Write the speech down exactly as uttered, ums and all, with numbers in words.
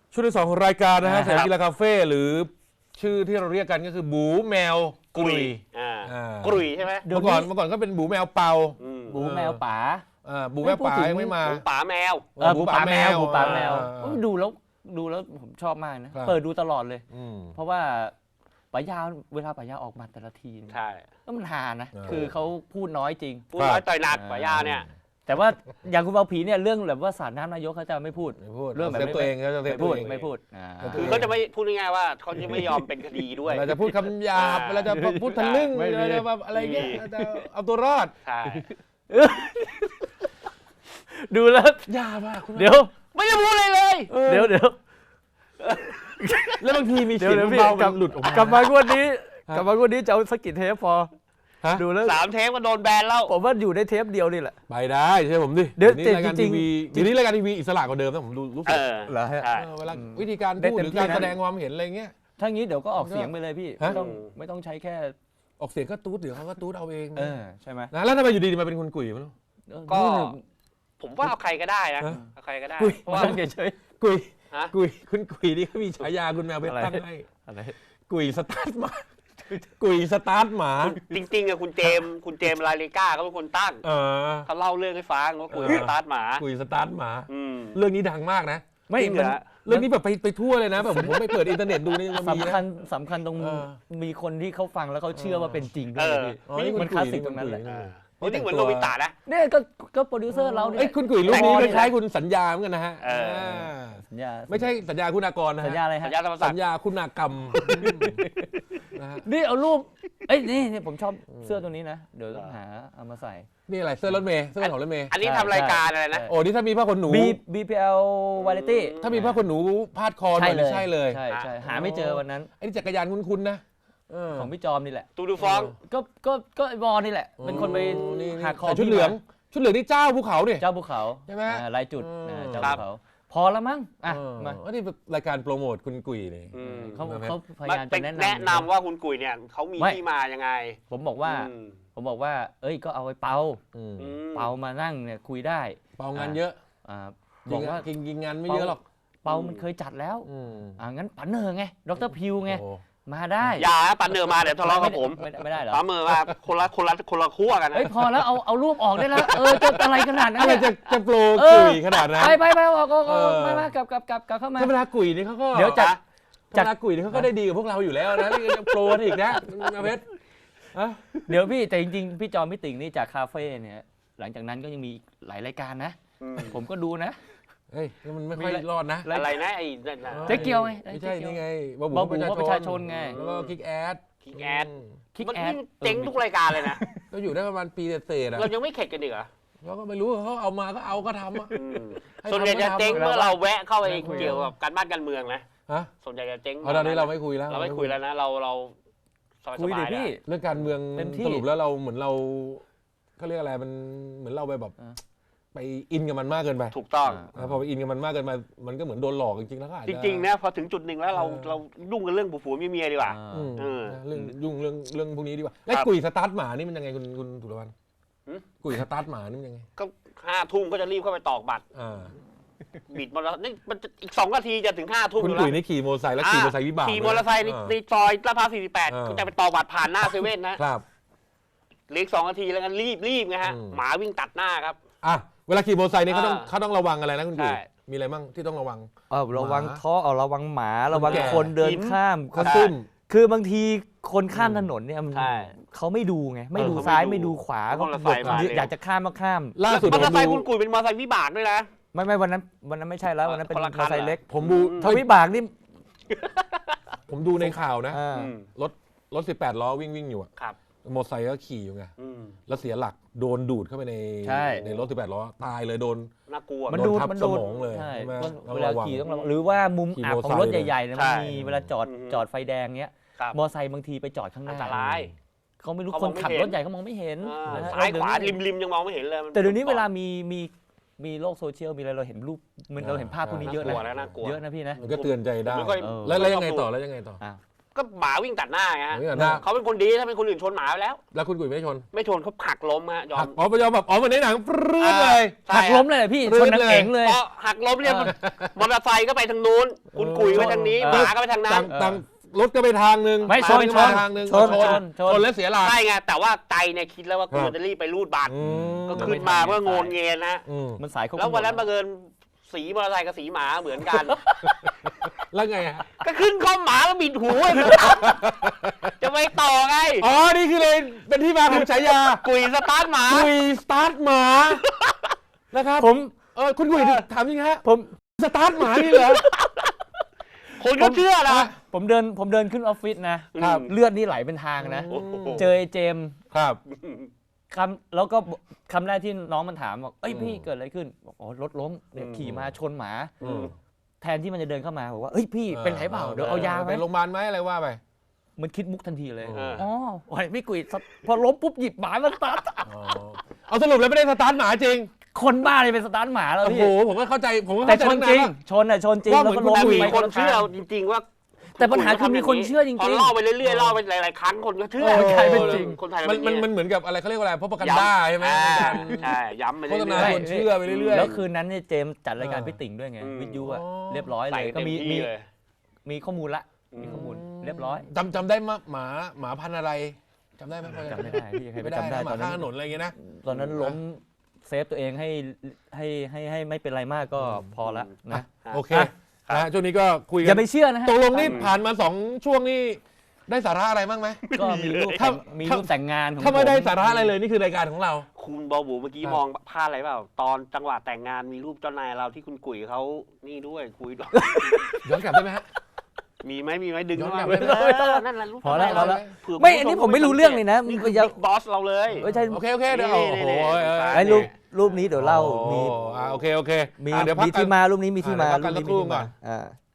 ช่วงที่สองของรายการนะฮะสยามกีฬาคาเฟ่หรือชื่อที่เราเรียกกันก็คือบูแมวกุยกุยใช่ไหมเมื่อก่อนเมื่อก่อนก็เป็นบูแมวเปาบูแมวป๋าบูแมวป๋ายังไม่มาบูป๋าแมวบูป๋าแมวบูป๋าแมวดูแล้วดูแล้วผมชอบมากนะเปิดดูตลอดเลยเพราะว่าป๋ายาวเวลาป๋ายาวออกมาแต่ละทีใช่ก็มันฮานะคือเขาพูดน้อยจริงพูดน้อยต่อยหนักป๋ายาวเนี่ยแต่ว่าอย่างคุณเบาผีเนี่ยเรื่องแบบว่าสารน้ำนายกเขาจะไม่พูดเรื่องแบบตัวเองเขาจะไม่พูดไม่พูดคือเขาจะไม่พูดง่ายๆว่าเขาจะไม่ยอมเป็นคดีด้วยเราจะพูดคำหยาบเราจะพูดทะลึ่งเราจะแบบอะไรเงี้ยจะเอาตัวรอดใช่ดูแล้วยากมากเดี๋ยวไม่ได้พูดเลยเลยเดี๋ยวเดี๋ยวแล้วบางทีมีเสียงเบาๆหลุดออกมากลับมางวดนี้กลับมางวดนี้จะเอาสกิทเทปพอดูแล้วสามเทปก็โดนแบนแล้วผมว่าอยู่ในเทปเดียวนี่แหละไปได้ใช่ผมดิเดี๋ยวนี้รายการทีวีเดี๋ยวนี้รายการทีวีอิสระกว่าเดิมนะผมดูรู้สึกเหรอฮะเวลาวิธีการพูดหรือการแสดงความเห็นอะไรเงี้ยถ้างี้เดี๋ยวก็ออกเสียงไปเลยพี่ไม่ต้องไม่ต้องใช้แค่ออกเสียงก็ตูดเดี๋ยวเขาก็ตูดเอาเองเออใช่ไหมนะแล้วทำไมอยู่ดีมาเป็นคนกุยมั้งก็ผมว่าเอาใครก็ได้นะเอาใครก็ได้เพราะว่าเฉยๆกุยกุยคุณกุยนี่เขามีฉายาคุณแมวเพชรตั้งให้กุยสตาร์ทมากุยสตาร์ทหมาจริงๆอะคุณเจมคุณเจมลาเลก้าเขาเป็นคนตั้งเขาเล่าเรื่องให้ฟังว่ากุยสตาร์ทหมากุยสตาร์ทหมาเรื่องนี้ดังมากนะไม่เหมือนเรื่องนี้แบบไปไปทั่วเลยนะแบบผมไปเปิดอินเทอร์เน็ตดูนี่สำคัญสำคัญตรงมีคนที่เขาฟังแล้วเขาเชื่อว่าเป็นจริงด้วยมันคลาสสิกตรงนั้นแหละนี่เหมือนโนบิตะนะเนี่ยก็ก็โปรดิวเซอร์เราเนี่ยคุณกุยรูปนี้คล้ายๆคุณสัญญาเหมือนกันนะฮะสัญญาไม่ใช่สัญญาคุณากรนะสัญญาอะไรฮะสัญญาคุณากรรมนี่เอารูปเอ้ยนี่ผมชอบเสื้อตัวนี้นะเดี๋ยวต้องหาเอามาใส่นี่อะไรเสื้อรถเมย์เสื้อของรถเมย์อันนี้ทำรายการอะไรนะโอ้นี่ถ้ามีผ้าขนหนูบี พี แอล Variety ถ้ามีผ้าขนหนูพาดคอใช่เลยใช่เลยใช่ใช่หาไม่เจอวันนั้นไอ้จักรยานคุ้นๆนะของพี่จอมนี่แหละตูดูฟองก็ก็ก็บอลนี่แหละเป็นคนไปหักคอชุดเหลืองชุดเหลืองนี่เจ้าภูเขาดิเจ้าภูเขาใช่ไหมลายจุดเจ้าภูเขาพอแล้วมั้งอ่ะมาอันนี้รายการโปรโมทคุณกุยนี่เขาเขาพยายามจะแนะนำแนะนำว่าคุณกุยเนี่ยเขามีที่มายังไงผมบอกว่าผมบอกว่าเอ้ยก็เอาไปเปาเปามานั่งเนี่ยคุยได้เปางานเยอะบอกว่ากินกินงานไม่เยอะหรอกเปามันเคยจัดแล้วอ่างั้นปันเนอร์ไงดรพิวไงมาได้อย่าปันเนอร์มาเดี๋ยวทะเลาะกับผมไม่ได้เหรอปันเนอร์มาคนละคนละคนละขั้วกันเฮ้ยพอแล้วเอาเอารูปออกได้แล้วเออจะอะไรขนาดนั้นอะไรจะจะโปรกุยขนาดนั้นไปไปไปออกก็มามากลับกลับกลับกลับเข้ามาเวลากุยนี่เขาก็เดี๋ยวจะจากกุยนี่เขาก็ได้ดีกับพวกเราอยู่แล้วนะนี่จะโปรอีกนะเพชรเดี๋ยวพี่แต่จริงๆพี่จอมพี่ติ่งนี่จากคาเฟ่เนี่ยหลังจากนั้นก็ยังมีหลายรายการนะผมก็ดูนะเฮ้ยมันไม่ค่อยรอดนะอะไรนะไอ้เจ๊เกียวไงไม่ใช่นี่ไงบอบูประชาชนไงแล้วก็คิกแอดคิกแอดคิกแอดเจ๊งทุกรายการเลยนะก็อยู่ได้ประมาณปีเศษเรายังไม่เข็ดกันอีกเหรอเราก็ไม่รู้เขาเอามาก็เอาก็ทำอ่ะส่วนใหญ่จะเจ๊งเมื่อเราแวะเข้าไปเกี่ยวกับการบ้านการเมืองนะส่วนใหญ่จะเจ๊งตอนนี้เราไม่คุยแล้วเราไม่คุยแล้วนะเราเราคุยดิพี่เรื่องการเมืองสรุปแล้วเราเหมือนเราเขาเรียกอะไรมันเหมือนเราไปแบบไปอินกับมันมากเกินไปถูกต้องพอไปอินกับมันมากเกินไปมันก็เหมือนโดนหลอกจริงๆแล้วก็จริงๆนะพอถึงจุดหนึ่งแล้วเราเรายุ่งกับเรื่องผัวเมียดีกว่าเรื่องยุ่งเรื่องเรื่องพวกนี้ดีกว่าแล้วกุยสตาร์ทหมานี่มันยังไงคุณคุณสุรพันธ์กุยสตาร์ทหมานี่มันยังไงก็ห้าทุ่มก็จะรีบเข้าไปตอกบัตรบิดมอเตอร์ไซค์นี่มันอีกสองนาทีจะถึงห้าทุ่มคุณกุยนี่ขี่มอเตอร์ไซค์แล้วขี่มอเตอร์ไซค์วิบากขี่มอเตอร์ไซค์ในซอยลาดพร้าวสี่สิบแปดก็จะไปตอกบัตรผ่านหน้าเซเว่นนะครับเหลือสองนาทีแล้วกันรีบรีบไงฮะหมาวิ่งตัดหน้าครับอ่ะเวลาขี่มอเตอร์ไซค์นี่เขาต้องเขาต้องระวังอะไรนะคุณกุยมีอะไรบ้างที่ต้องระวังเออระวังท่อเอาระวังหมาระวังคนเดินข้ามคนตึ้มคือบางทีคนข้ามถนนเนี่ยเขาไม่ดูไงไม่ดูซ้ายไม่ดูขวาก็อยากจะข้ามก็ข้ามล่าสุดมอเตอร์ไซค์คุณกุยเป็นมอเตอร์ไซค์วิบากด้วยนะไม่ไม่วันนั้นวันนั้นไม่ใช่แล้ววันนั้นเป็นมอเตอร์ไซค์เล็กผมดูทวิบากนี่ผมดูในข่าวนะรถรถสิบแปดล้อวิ่งวิ่งอยู่อะมอเตอร์ไซค์ก็ขี่อยู่ไงแล้วเสียหลักโดนดูดเข้าไปในในรถสิบแปดล้อตายเลยโดนน่ากลัวมันดูดมันโดนสมองเลยเวลาขี่ต้องระวังหรือว่ามุมอับของรถใหญ่ๆมันมีเวลาจอดจอดไฟแดงเงี้ยมอเตอร์ไซค์บางทีไปจอดข้างหน้าอันตรายเขาไม่รู้คนขับรถใหญ่เขามองไม่เห็นซ้ายขวาริมๆยังมองไม่เห็นเลยแต่เดี๋ยวนี้เวลามีมีมีโลกโซเชียลมีอะไรเราเห็นรูปมันเราเห็นภาพพวกนี้เยอะนะเยอะนะพี่นะมันก็เตือนใจได้แล้วแล้วยังไงต่อแล้วยังไงต่อกก็หมาวิ่งตัดหน้าไงฮะวิ่งตัดหน้าเขาเป็นคนดีถ้าเป็นคนอื่นชนหมาไปแล้วแล้วคุณกุ๋ยไม่ชนไม่ชนเขาหักล้มฮะยอหัมกอ๋อไปยอมแบบอ๋อเหมือนในหนังปรื้ดเลยใช่หักล้มเลยเหรอพี่รื้ชนนนักเลยเอ๋งเลยพอหักล้มเรียบมอเตอร์ไซค์ก็ไปทางนู้นคุณกุ๋ยไปทางนี้เออหมาก็ไปทางนั้ต่าน งต่างรถก็ไปทางนึงไม่ชนก็ไปทางนึงชนชนชนชนชนแล้วเสียหลักใช่ไงแต่ว่าใจเนี่ยคิดแล้วว่ากูครับจะรีบไปรูดบัตรอืมก็ขึ้นมาเพื่อโงนเงินนะอืมมันสายควบคุมแล้ววันนั้นบังเอิญสีมอเตอร์ไซค์กับสีหมาเหมือนกันแล้วไงฮะก็ขึ้นข้อหมาแล้วบิดหูไอ้จะไปต่อไงอ๋อนี่คือเลยเป็นที่มาของฉายากุยสตาร์ทหมากุยสตาร์ทหมานะครับผมเออคุณกุยถามจริงฮะผมสตาร์ทหมานี่เหรอคนก็เชื่อนะผมเดินผมเดินขึ้นออฟฟิศนะครับ เลือดนี่ไหลเป็นทางนะโอ้โหเจอไอ้เจมส์ครับคำแล้วก็คำแรกที่น้องมันถามบอกเอ้ยอืมพี่เกิดอะไรขึ้นบอกอ๋อรถล้มเนี่ยอืมขี่มาชนหมาอืมแทนที่มันจะเดินเข้ามาบอกว่าเอ้ยพี่เป็นไรเปล่าเดี๋ยวเอายาไหมไปโรงพยาบาลไหมอะไรว่าไปมันคิดมุกทันทีเลยเอออ๋อโอ้ยพี่กุยพอล้มปุ๊บหยิบหมามาสตาร์ทอ๋อเอาสรุปแล้วไม่ได้สตาร์ทหมาจริงคนบ้าเลยเป็นสตาร์ทหมาแล้วโอ้พี่โหผมก็เข้าใจผมก็แต่เข้าใจชนจริงตั้งาะชนอ่ะชนจริงว่าแล้วเหมืก็อนล้มแต่มีไปคนเชื่อจริงๆว่าแต่ปัญหาคือมีคนเชื่อจริงๆพอเล่าไปเรื่อยๆเล่าไปหลายๆครั้งคนก็เชื่อเออใช่เป็นจริงคนไทยมันเป็มันอย่างมันเหมือนกับอะไรเขาเรียกว่าอะไรพวกประกันด้าใช่ไหมอ่าในการใช่ย้ำไปโฆเรื่ษณาอยชวนเชื่อไปเรื่อยๆแล้วคืนนั้นเนี่ยเจมส์จัดรายการเออพี่ติ่งด้วยไงอืมวิทยุอะอ๋อเรียบร้อยๆเลใส่ยก็เต็มมีที่มีเลยมีข้อมูลละมีข้อมูลเรียบร้อยจำจำได้มาหมาหมาพันธุ์อะไรจำได้ไหมพอจำไม่ได้พี่ใครไม่ไปได้จำได้นะหตมาอนนั้ข้างถนนนอะไรอย่างเงี้ยนะตอนนั้นล้มเซฟตัวเองให้ให้ให้ให้ไม่เป็นไรมากก็พอละนะโอเคอ่ะนะฮะช่วงนี้ก็คุยอกัย่าน ไปเชื่อนะฮะตกลงนี่ผ่านมาสองช่วงนี่ได้สาระอะไรบ้างไหมก็มีรูปถ้าแต่งมีรูปแต่งงานของถ้าไม่ได้ผสาระอะไรเลยนี่คือรายการของเราคุณบอบูเมื่อกี้ครับมองพลาดอะไรเปล่า ตอนจังหวะแต่งงานมีรูปเจ้านายเราที่คุณกุ๋ยเขานี่ด้วยคุยด้วยย้อนกลับได้ไหมฮะมีไหมมีไหมดึงย้อนเข้ากลัมาบได้ไหมเออนั่นแหละรูปพอแล้วเจ้านายพอแล้วเผื่ไม่คุณอันนี้ผู้ชผมไม่รู้เรื่องเลยนะนี่มึงคืออย่าบิ๊กบอสเราเลยเอ้ยใช่โอเคโอเคเดี๋ยวนี่โอ้นี่โหนี่เออไอ้รูปรูปนี้เดี๋ยวเล่ามีโอ้อ่าโอเคโอเคมีอ่ะเดี๋ยวพักมีกันที่มารูปนี้มีที่มาอ่ะเดี๋ยวพักกันรูปนี้สักครู่ก่อนอ่า